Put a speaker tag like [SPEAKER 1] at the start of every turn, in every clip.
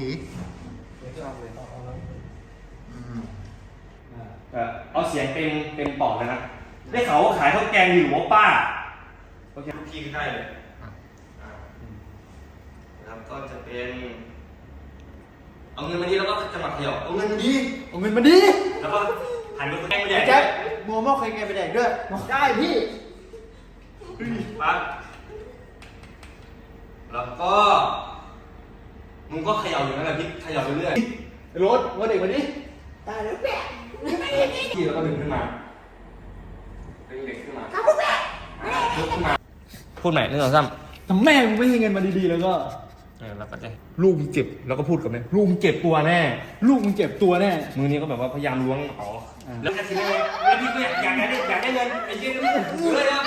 [SPEAKER 1] ผี
[SPEAKER 2] เอาเสียงเต็มปอดเลยนะได้ข่าวว่าขายข้าวแกงอยู่ว่าป้าโอเคทุกที่ได้เลยนะครับก็จะเป็นเอาเงินมาดีแล้วก็จังหวัดเดียวเอาเงินมาดีแล้วก็หันไปแกงไปแดก
[SPEAKER 3] แจ็คมัวมอกเคยแกไปแดกด้วยได้พี่
[SPEAKER 2] ปั๊บแล้วก็มึงก็เขย่าอยู่นั่นแหละพี่เขย่าไปเรื่อย
[SPEAKER 3] รถว่าเด็กวันนี้ตายแล้วแปะ
[SPEAKER 2] พี่แล้วก็ดึงขึ้นมาดึงเด็กขึ้นมาลุกขึ้นมาพูดใหม่1 2 3
[SPEAKER 3] ถ้าแม่มึงไม่ให้เงินมาดีๆแล้วก็
[SPEAKER 2] แล้วก็จะลูกมึงเจ็บแล้วก็พูดกับแม่ลูกมึงเจ็บตัวแน่
[SPEAKER 3] ลูกมึงเจ็บตัวแน่
[SPEAKER 2] มือนี้ก็แบบว่าพยายามล้วงอ๋อแล้วจะคิดยังไงแล้วพี่ก็อยากได้เงินไอ้เหี้ยเลยนะ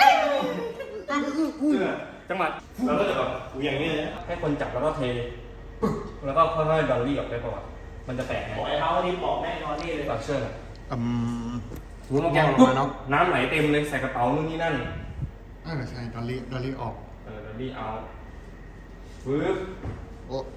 [SPEAKER 2] จังหวะเราก็จะแบบอย่างนี้เลยให้คนจับแล้วก็เทแล้วก็ค่อยๆดอลลี่ออกไปก่อนมันจะแตกไง
[SPEAKER 3] บอกไอ้เขานี่บอกแน่นอนนี่เลย
[SPEAKER 2] ตัดเชือก
[SPEAKER 1] วุ้น
[SPEAKER 2] แก
[SPEAKER 1] แก้
[SPEAKER 2] ง
[SPEAKER 1] วล
[SPEAKER 2] ปุ๊
[SPEAKER 1] ง
[SPEAKER 2] บ
[SPEAKER 1] มาเนาะ
[SPEAKER 2] น้ำไหลเต็มเลยใส่กระเป๋านู่นนี่นั่น
[SPEAKER 1] ใช่ดอลลี่ออก
[SPEAKER 2] ดอลลี่เอาปึ๊บ
[SPEAKER 1] โอ้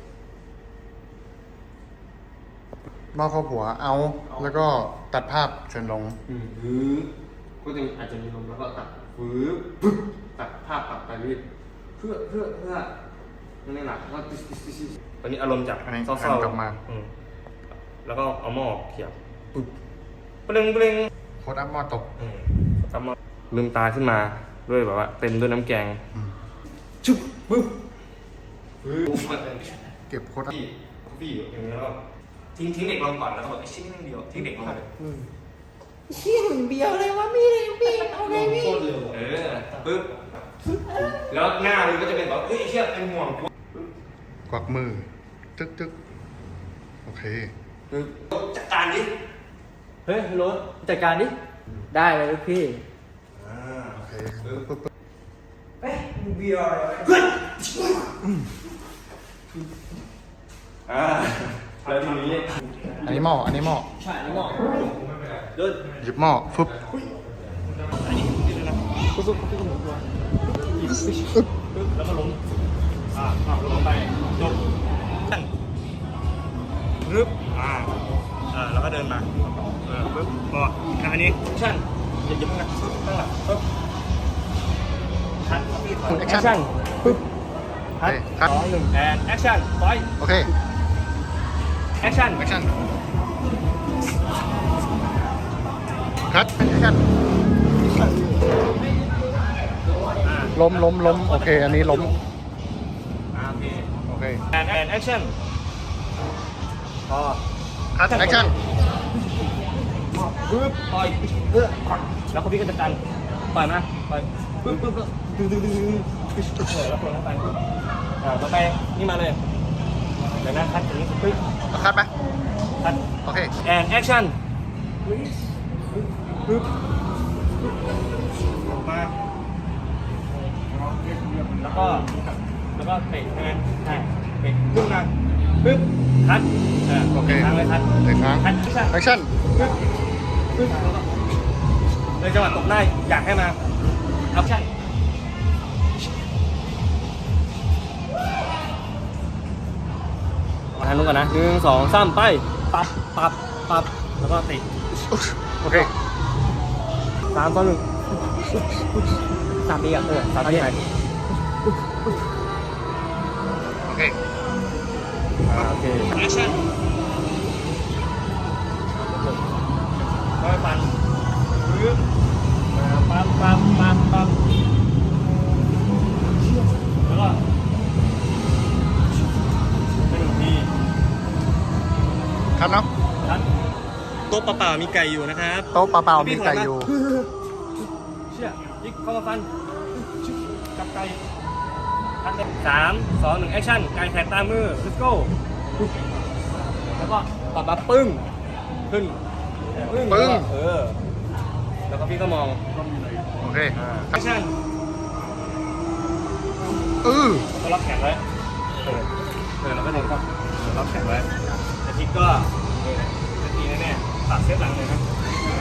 [SPEAKER 1] หม้อข้าวผัวเอาแล้วก็ตัดภาพเชิญลง
[SPEAKER 2] ปึ๊บก็จะอาจจะมีลมแล้วก็ตัดปึ๊บตัดภาพตัดไปเรื่อยเพื่อนั่นนี่แหละก็ตอนนี้อารมณ์จาก
[SPEAKER 1] อันนี้
[SPEAKER 2] เศร้าๆ
[SPEAKER 1] กลับมา
[SPEAKER 2] แล้วก็เอาหม้อเขียบปึ๊บเปล่ง
[SPEAKER 1] โคตรอัพหม้อตก
[SPEAKER 2] ทำมาลืมตาขึ้นมาด้วยแบบว่าเต็มด้วยน้ำแกง
[SPEAKER 1] ชุบ
[SPEAKER 2] ปึ๊บ
[SPEAKER 1] เก็บโคตรอัพ
[SPEAKER 2] พี่อยู่อย่างนี้แล้วก็ทิ้งเด็กลงก่อนแล้วก็แบบไอ้ชิ้นนึงเดียวทิ้งเด็กลงมาเลย
[SPEAKER 3] เชี่ยหนึ่งเดียวเลยวะพี่เอาไงพี่
[SPEAKER 2] ปึ๊บแล้วหน้ามันก็จะเป็นแบบเฮ้ยเชี่ยเป็นห่วง
[SPEAKER 1] กวักมือตึกโอเค
[SPEAKER 2] จัดการดิ
[SPEAKER 3] เฮ้ยรถจัดการดิได้เลยลูกพี่
[SPEAKER 1] โอเคปึ๊บ
[SPEAKER 3] เฮ้ยมึงเบียร์อะไร
[SPEAKER 2] แล้วทีนี้
[SPEAKER 1] อันนี้หม้อ
[SPEAKER 3] ใช่นี่หมอ
[SPEAKER 1] หยิบหม้อฟึบ
[SPEAKER 2] แล้วก็ล้มลงไปจบปึ๊บแล้วก็เดินมาปึ๊บพออันนี้ชั่นอย่าหยิบนะปึ๊บข้างหลังปึ๊บคัดแอคชั่นปึ๊บคัด
[SPEAKER 1] คัด
[SPEAKER 2] 2 1 and action ปล่อย
[SPEAKER 1] โอเค
[SPEAKER 2] action
[SPEAKER 1] แอคชั่นคัดแอคชั่นล้มโอเค อันนี้ล้ม
[SPEAKER 2] โอเค
[SPEAKER 1] โอเค
[SPEAKER 2] and action พอ
[SPEAKER 1] คัดแอคชั่น
[SPEAKER 2] ปึ๊บปล่อยแล้วก็พี่ก็จัดการปล่อยมาปล่อยปึ๊บแล้วคนเข้าไปต่อไปนี่มาเลยเดี๋ยวนะคัดอย่างนี้ปึ๊บ
[SPEAKER 1] คัดไหม
[SPEAKER 2] คัด
[SPEAKER 1] โอเค
[SPEAKER 2] and action ปึ๊บออกมาแล้วก็เตะใช่ไหมใช่เตะขึ้นมาปึ๊บคัด
[SPEAKER 1] โอเค
[SPEAKER 2] ครั้งเลยคัด
[SPEAKER 1] หนึ่งครั้ง
[SPEAKER 2] คัด
[SPEAKER 1] แอคชั่น
[SPEAKER 2] เลยจังหวะตกได้อยากให้มาอัพชั่นมาทางนู้นก่อนนะ1 2 3ไปปับแล้วก็ติ
[SPEAKER 1] โอเค
[SPEAKER 2] 3 2 1 3ทีอ่ะ3ทีไหน
[SPEAKER 1] โอเค
[SPEAKER 2] โอเคแอคชั่นก็ปั่นปึ๊บปั๊บแล้วก็ไป1 ที
[SPEAKER 1] คัดเนาะ
[SPEAKER 2] ครับโต๊ะเปล่าๆมีไก่อยู่นะครับ
[SPEAKER 1] โต๊ะเปล่าๆมีไก่อยู่
[SPEAKER 2] เชี่ยยิกเข้ามาฟันจับไก่ทันเลย3 2 1แอคชั่นไก่แขกตามมือ let's go แล้วก็ปับปึ้งขึ้นแล้วก็พี่ก็มอง
[SPEAKER 1] โอเค
[SPEAKER 2] แอคชั่น ก็ล็อกแขนไว้แล้วก็เดินเข้าล็อกแขนไว้แต่ทิกก็จะตีแน่ๆตัดเซฟหลังเลยครับ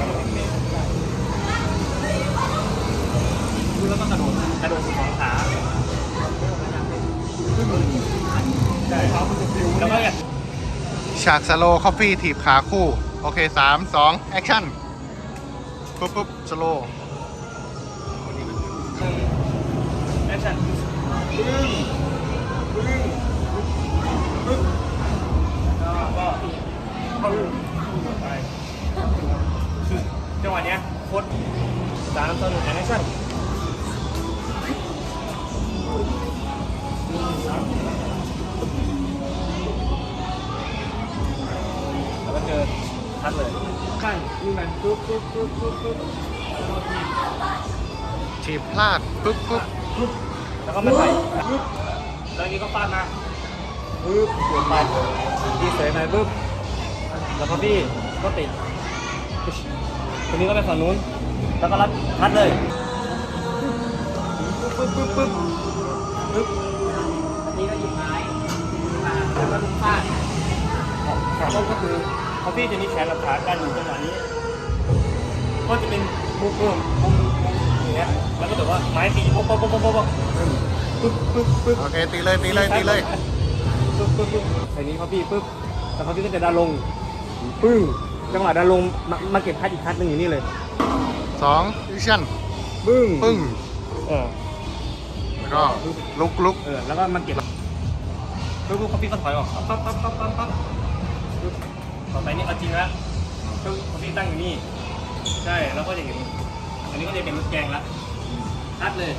[SPEAKER 2] แล้วก็กระโดด2 ขาใช่แล้วก็
[SPEAKER 1] ฉากสโลว์คอฟฟี่ถีบขาคู่ โอเคสามสองแอคชั่นปุ๊บปุ๊บสโลว์
[SPEAKER 2] แอคชั่นแล้วก็เข้าไปจังหวะเนี้ยโคตร3 2 1แอคชั่นแล้วก็เจอทัดเลยขั้นนี่มันปุ๊บปุ๊บปุ๊บปุ๊บปุ๊บ
[SPEAKER 1] ถีบพลาดปุ๊บปุ๊บ
[SPEAKER 2] แล้วก็ไม่ไปปุ๊บแล้วอันนี้ก็ฟาดมาปุ๊บเปลี่ยนไปพี่เสยไปปุ๊บแล้วก็พี่ก็ติดคนนี้ก็ไปฝั่งนู้นแล้วก็รับทัดเลยปุ๊บปุ๊บปุ๊บปุ๊บ
[SPEAKER 3] อันนี้ก็หยิบไม้มาแล้วก็ฟาด
[SPEAKER 2] ขาต้นก็คือเขาพี่จะมีแขนกับขากันอยู่จังหวะนี้ก็จะเป็นมุมอย่างเงี้ยแล้วก็แบบว่าไม้ตีป๊อกป๊อกป๊อกป๊อกป๊อกปุ๊บปุ๊บปุ๊บ
[SPEAKER 1] โอเคตีเลยตีเลยตีเลย
[SPEAKER 2] ปุ๊บปุ๊บปุ๊บใส่นี้เขาพี่ปุ๊บแล้วเขาพี่ก็จะดันลงปึ้งจังหวะดันลงมาเก็บคัดอีกคัดหนึ่งอยู่นี่เลย
[SPEAKER 1] สองแอคชั่น
[SPEAKER 2] ปึ้ง
[SPEAKER 1] ปึ้ง
[SPEAKER 2] เออ
[SPEAKER 1] แล้วก็ลุกลุก
[SPEAKER 2] แล้วก็มาเก็บปุ๊บเขาพี่ก็ถอยออกปั๊บปั๊บปั๊บปั๊บปั๊บปุ๊บต่อไปนี่เอาจริงแล้วปุ๊บเขาพี่ตั้งอยู่นี่ใช่แล้วก็จะเห็นอันนี้ก็จะเป็นรถแกงละคัดเลย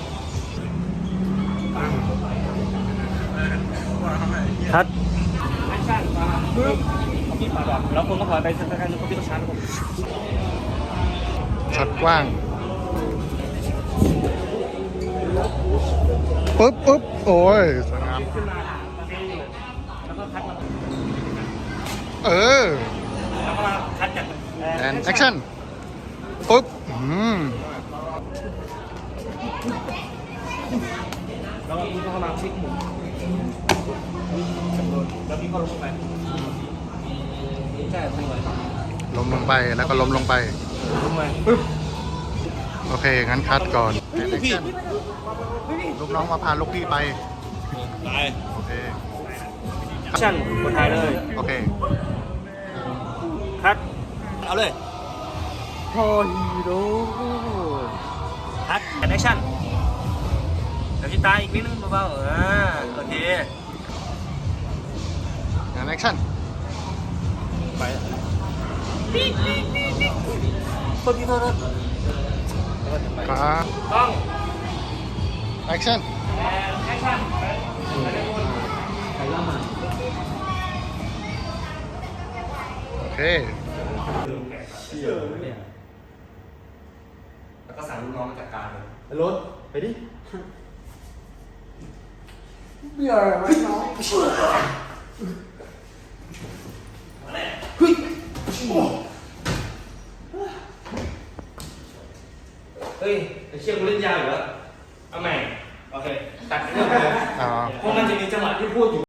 [SPEAKER 2] คัดแอคชั่นปึ๊บเขาพี่ถอยออกแล้วคนก็ถอยไปสักการนึงเขาพี่ก็ชาร์จผม
[SPEAKER 1] ช็อตกว้างปุ๊บปุ๊บโอ้ยสวยงาม
[SPEAKER 2] ขึ้นมาแล้วก็คัดมา
[SPEAKER 1] เออ
[SPEAKER 2] แล้วก็มาคัดจาก
[SPEAKER 1] แอนแอคชั่นปุ๊บ
[SPEAKER 2] แล้วก็พี่ก็เข้ามาชิคหมุนแล้วพี่ก็ลงไปใช่ลงไป
[SPEAKER 1] ล้มลงไปแล้วก็ล้มลงไป
[SPEAKER 2] ลงไปปึ๊บ
[SPEAKER 1] โอเค งั้นคัดก่อนแอนแอคชั่นลูกน้องมาพาลูกพี่ไป
[SPEAKER 2] ไป
[SPEAKER 1] โอเค
[SPEAKER 2] แอคชั่นคนไทยเลย
[SPEAKER 1] โอเค
[SPEAKER 2] คัดเอาเลยพอฮีโร่คัดแอคชั่นเดี๋ยวพี่ตาอีกนิดนึงเบาๆโอเค
[SPEAKER 1] แอนแอคชั่น
[SPEAKER 2] ไปคนที่โทษ
[SPEAKER 1] ขา
[SPEAKER 2] ต้อง
[SPEAKER 1] แอคชั่น
[SPEAKER 2] แอคชั่นไปเลยคน
[SPEAKER 3] ใครเล่ามา
[SPEAKER 1] โอเค
[SPEAKER 2] แล้วก็สั่งลูกน้องมาจัดการเลย
[SPEAKER 3] รถไปดิเบื่อไหมน้องเฮ้ย
[SPEAKER 2] เฮ้ยไอ้เชี่ยกูเล่นยาวอยู่แล้วเอาใหม่โอเคตัดเรื่องเลย
[SPEAKER 1] อ๋อ
[SPEAKER 2] เพราะมันจะมีจังหวะที่พูดอยู่